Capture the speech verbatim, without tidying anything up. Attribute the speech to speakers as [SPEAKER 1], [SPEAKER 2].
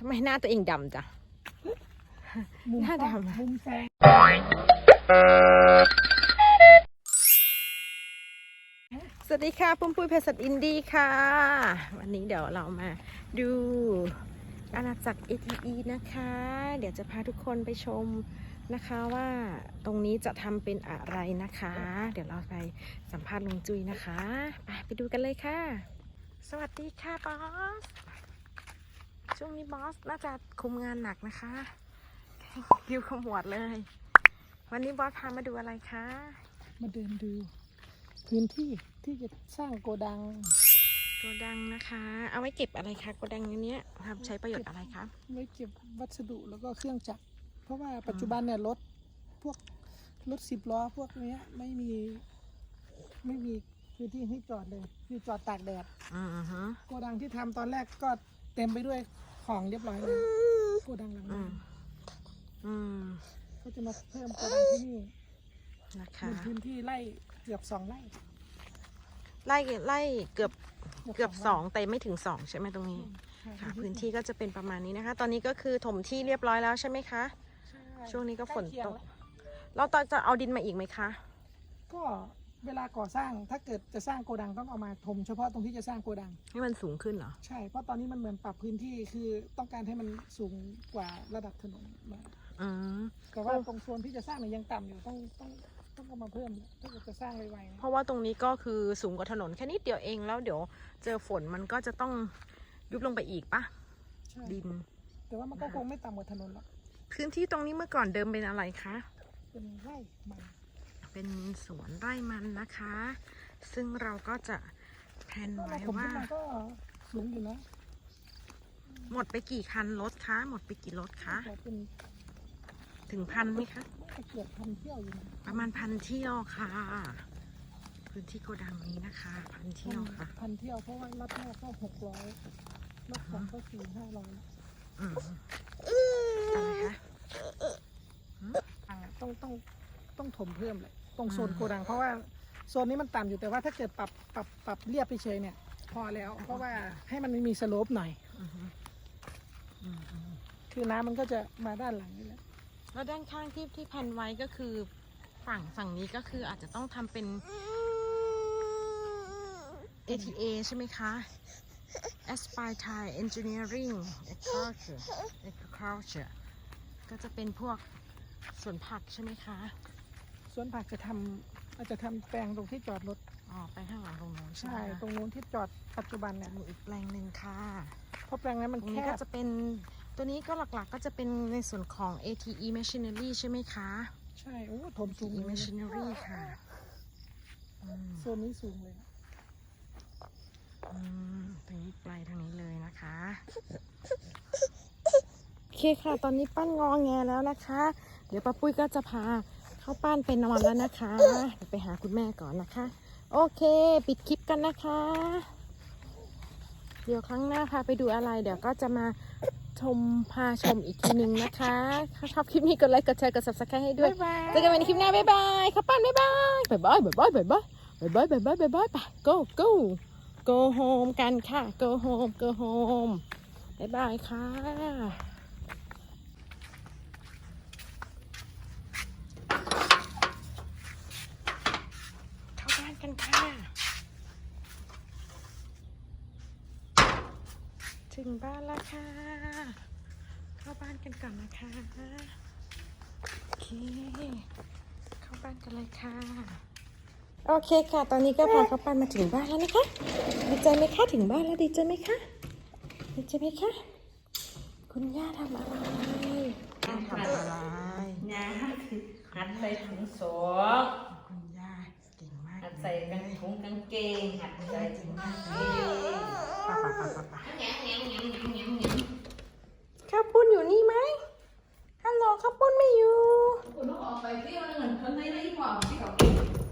[SPEAKER 1] ำไมหน้าตัวเองดำจ้ะหน้าดำ
[SPEAKER 2] มุมแสง
[SPEAKER 1] สวัสดีค่ะปุ้มปุ้ยเพชรสัตว์อินดี้ค่ะวันนี้เดี๋ยวเรามาดูอาณาจักร เอ ที อี นะคะ เดี๋ยวจะพาทุกคนไปชมนะคะว่าตรงนี้จะทำเป็นอะไรนะคะ เดี๋ยวเราไปสัมภาษณ์ลุงจุ้ยนะคะไปไปดูกันเลยค่ะสวัสดีค่ะบอสช่วงนี้บอสน่าจะคุมงานหนักนะคะคิวขมวดเลยวันนี้บอสพามาดูอะไรคะ
[SPEAKER 2] มาเดินดูพื้นที่ที่จะสร้างโกดัง
[SPEAKER 1] โกดังนะคะเอาไว้เก็บอะไรคะโกดังนี้ทำใช้ประโยชน์อะไรคะ
[SPEAKER 2] ไว้เก็บวัสดุแล้วก็เครื่องจักรเพราะว่าปัจจุบันเนี่ยรถพวกรถสิบล้อพวกนี้ไม่มีไม่มีพื้นที่ให้จอดเลยคือจอดตากแดดโกดังที่ทำตอนแรกก็เต็มไปด้วยของเรียบร้อยเลยโกดังหลังนั้นก็จะมาเพิ่มโกดังที่นี่นะคะพื้นที่ไร่เกือบสองไร่
[SPEAKER 1] ไร่ไร่เกือบเกือบสองแต่ไม่ถึงสองใช่ไหมตรงนี้ค่ะพื้นที่ก็จะเป็นประมาณนี้นะคะ ตอนนี้ก็คือถมที่เรียบร้อยแล้วใช่ไหมคะช่วงนี้ก็ฝนตกเราตอนจะเอาดินมาอีกไหมคะ
[SPEAKER 2] ก็เวลาก่อสร้างถ้าเกิดจะสร้างโกดังต้องเอามาถมเฉพาะตรงที่จะสร้างโกดัง
[SPEAKER 1] ให้มันสูงขึ้นเหรอ
[SPEAKER 2] ใช่เพราะตอนนี้มันเหมือนปรับพื้นที่คือต้องการให้มันสูงกว่าระดับถนนมาแต่ว่าตรงโซนที่จะสร้างเนี่ยยังต่ำอยู่ต้องต้องต้องเอามาเพิ่มถ้าเกิดจะสร้างไวๆ
[SPEAKER 1] เพราะว่าตรงนี้ก็คือสูงกว่าถนนแค่นิดเดียวเองแล้วเดี๋ยวเจอฝนมันก็จะต้องยุบลงไปอีกปะดิน
[SPEAKER 2] แต่ว่ามันก็คงไม่ต่ำกว่าถนนหรอก
[SPEAKER 1] พื้นที่ตรงนี้เมื่อก่อนเดิมเป็นอะไรคะ
[SPEAKER 2] เป็นไร่มัน
[SPEAKER 1] เป็นสวนไร่มันนะคะซึ่งเราก็จะแผนไว้ว่า
[SPEAKER 2] ก็สูงอยู่นะ
[SPEAKER 1] หมดไปกี่คันรถคะหมดไปกี่รถคะถึงพันไหมคะ
[SPEAKER 2] เกือบพันเที่ยวอยู่
[SPEAKER 1] ประมาณพันเที่ยวค่ะพื้นที่โกดังนี้นะคะพันเที่ยวค่ะ
[SPEAKER 2] พันเที่ยวเพราะว่ารถแรกก็หกร้อยรถสองก็สี่ห้าร้อย
[SPEAKER 1] อะไรคะ
[SPEAKER 2] ต้องต้องต้องถมเพิ่มเลยตรงโซนโกดังเพราะว่าโซนนี้มันต่ำอยู่แต่ว่าถ้าเกิดปรับปรับปรับเรียบไปเฉยเนี่ยพอแล้วเพราะว่าให้มันมีสโลปหน่อยคือน้ำมันก็จะมาด้านหลังนี่แหละ
[SPEAKER 1] แล้วด้านข้างที่ที่พันไว้ก็คือฝั่งฝั่งนี้ก็คืออาจจะต้องทำเป็น เอ ที เอ ใช่ไหมคะ Aspire Thai Engineering Agriculture Agriculture ก็จะเป็นพวกสวนผักใช่ไหมคะ
[SPEAKER 2] สวนผักจะทำอาจจะทำแปลงตรงที่จอดรถ
[SPEAKER 1] อ๋อไปข้างหลังตรงนู้น
[SPEAKER 2] ใช่ตรงนู้นที่จอดปัจจุบันเนี่ย
[SPEAKER 1] มีอีกแปลงหนึ่งค่ะ
[SPEAKER 2] เพราะแปลงนั้นมันแคบ
[SPEAKER 1] ก็จะเป็นตัวนี้ก็หลักๆก็จะเป็นในส่วนของ เอ ที อี Machinery ใช่ไหมคะ
[SPEAKER 2] ใช่โอ้ถมสูง
[SPEAKER 1] เอ ที อี Machinery ค่ะ
[SPEAKER 2] โซนนี้สูงเลย
[SPEAKER 1] ตรงนี้ปลายทางนี้เลยนะคะโอเคค่ะตอนนี้ปั้นงอแงแล้วนะคะเดี๋ยวป้าปุ้ยก็จะพาเข้าปั้นไปนอนแล้วนะคะเดี๋ยวไปหาคุณแม่ก่อนนะคะโอเคปิดคลิปกันนะคะเดี๋ยวครั้งหน้าพาไปดูอะไรเดี๋ยวก็จะมาชมพาชมอีกทีนึงนะคะถ้าชอบคลิปนี้กดไลค์กดแชร์กด ซับสไครบ์ ให้ด้วยเจอกันใหม่ในคลิปหน้าบ๊ายบายข้าวปั้นบ๊ายบายบ๊ายบายบ๊ายบายบ๊ายบายบ๊ายบายบ๊ายบายบ๊ายบายไป go go go home กันค่ะ go home go home บ๊ายบายค่ะเข้าบ้านกันค่ะถึงบ้านแล้วค่ะเข้าบ้านกันก่อนนะคะโอเคเข้าบ้านกันเลยค่ะโอเคค่ะตอนนี้ก็พาเข้าบ้านมาถึงบ้านแล้วนะคะดีใจไหมคะถึงบ้านแล้วดีใจไหมคะดีใจไหมคะคุณย่าทำอะไรย่าทำอะไร
[SPEAKER 3] ย่าหัดใส่ถุงโส
[SPEAKER 1] คุณย่าเก่งมาก
[SPEAKER 3] หัดใส่กางถุงกางเกงหัดใส่ถุงกางเกง
[SPEAKER 1] ป่าป่าป่าป่าป่าข้าวปุ้นอยู่นี่ไหมฮัลโหลข้าวปุ้นไม่อยู่
[SPEAKER 3] คุณต้องออกไปเที่ยวนึงคนในในหม้อที่เขา